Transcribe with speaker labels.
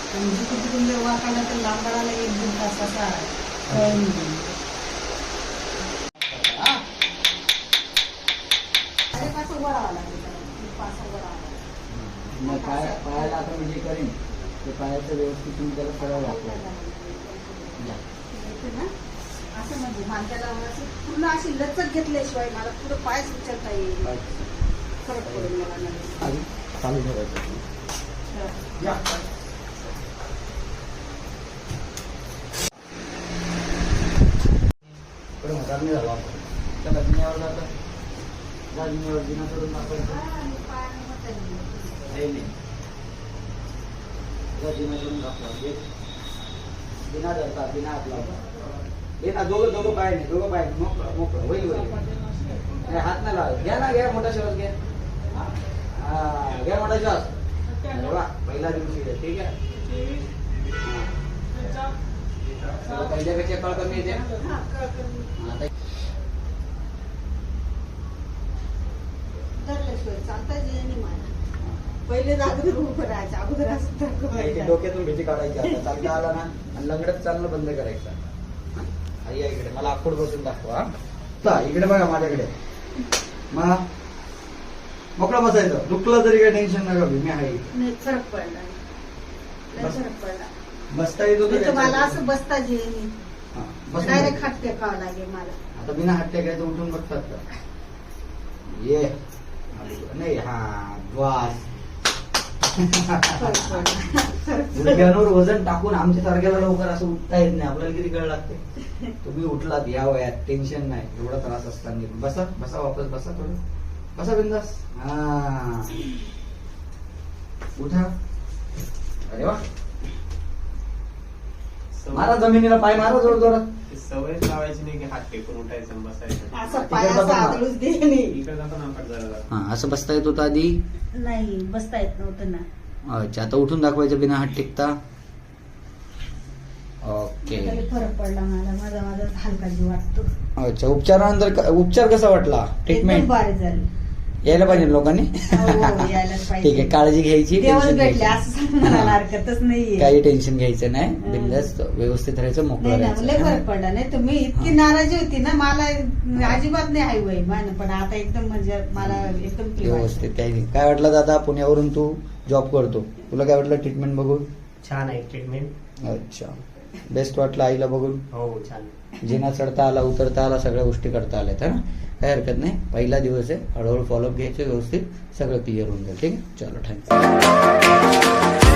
Speaker 1: तिकडून वाकायला तर लांबडाला 1-2 तासाचा वेळ निघून
Speaker 2: पायाला आता म्हणजे करेन ते पायाचं व्यवस्थित तुम्ही त्याला सरळ लागतो
Speaker 1: असं म्हणजे मांद्याला पूर्ण अशी लचक घेतल्याशिवाय मला पुढं पायच उचलता येईल फरक पडेल मला नाही
Speaker 2: चालू ठेवायचं पुढे म्हातार नाही झाला आपण त्याला जिन्यावर जातं जिन्यावर जिना सोडून दाखवायचं जिना सोडून दाखवा बिना धरता बिना हात लावता बिना दोघं पाय नाही मोकळं होईल हात नाही लावा घ्या ना घ्या मोठा श्वास घ्या घ्या मोठा श्वास पहिला दिवशी ठीक आहे पहिल्यापेक्षा कळ कमी येते
Speaker 1: चालता येईल मला पहिले अगोदर उभं राहायचं अगोदर असं
Speaker 2: डोक्यातून भीती काढायची आता चालता आला ना आणि लंगडत चालणं बंद करायचं आई इकडे मला आखूड बसून दाखवा इकडे बघा माझ्याकडे मग मोकळं बसायचं दुखलं तरी काही टेन्शन नका मी आहे
Speaker 1: फरक पडला
Speaker 2: बसता येत होतं
Speaker 1: मला असं बसता येईल डायरेक्ट हात टेकावं लागेल मला
Speaker 2: आता बिना हात टेकायचं उठून बघतात का ये नाही हा श्वास गुडघ्यांवर वजन टाकून आमच्या सारख्याला लवकर असं उठता येत नाही आपल्याला किती कळ लागते तुम्ही उठलात या वयात टेन्शन नाही एवढा त्रास असताना बसा वापस बसा थोडं बसा बिंदास हा उठा अरे वा मारा जमिनीला पाय मारा जोर जोरात
Speaker 3: सवय लावायची नाही की हात टेकून उठायचं बसायचं
Speaker 1: असं पाय असं आदळूच दे नाही
Speaker 3: इकडे जातो ना जरा
Speaker 2: हा असं बसता येत होतं आधी
Speaker 1: नाही बसता येत नव्हतं ना
Speaker 2: अच्छा आता उठून दाखवायचं बिना हात टेकता ओके
Speaker 1: फरक पडला मला माझा हलका जीव वाटतो
Speaker 2: अच्छा उपचारानंतर उपचार कसा वाटला ट्रीटमेंट
Speaker 1: भारी झाली
Speaker 2: यायला पाहिजे लोकांनी
Speaker 1: यायलाच पाहिजे
Speaker 2: ठीक आहे काळजी घ्यायची
Speaker 1: देवच
Speaker 2: टेन्शन
Speaker 1: भेटले
Speaker 2: घ्यायचं
Speaker 1: असं म्हणायला हरकतच नाहीये
Speaker 2: काही टेन्शन घ्यायचं नाही बिंदास्त व्यवस्थित राहायचं मोकळं
Speaker 1: नाही ना लय
Speaker 2: राहायचं
Speaker 1: फरक पडला नाही तर मी इतकी नाराजी होती ना मला अजिबात नाही हाय वय पण आता एकदम म्हणजे मला एकदम free
Speaker 2: व्यवस्थित काही नाही काय वाटलं दादा पुण्यावरून तू जॉब करतो तुला काय वाटलं ट्रीटमेंट बघून
Speaker 3: छान आहे ट्रीटमेंट
Speaker 2: अच्छा बेस्ट वाटलं आईला बघून
Speaker 3: हो छान
Speaker 2: जिना चढता आला उतरता आला सगळ्या गोष्टी करता आल्या तर काही हरकत नाही पहिला दिवस आहे हळूहळू फॉलोअप घ्यायचे व्यवस्थित सगळं क्लिअर होऊन जाईल ठीक आहे चलो थँक्यू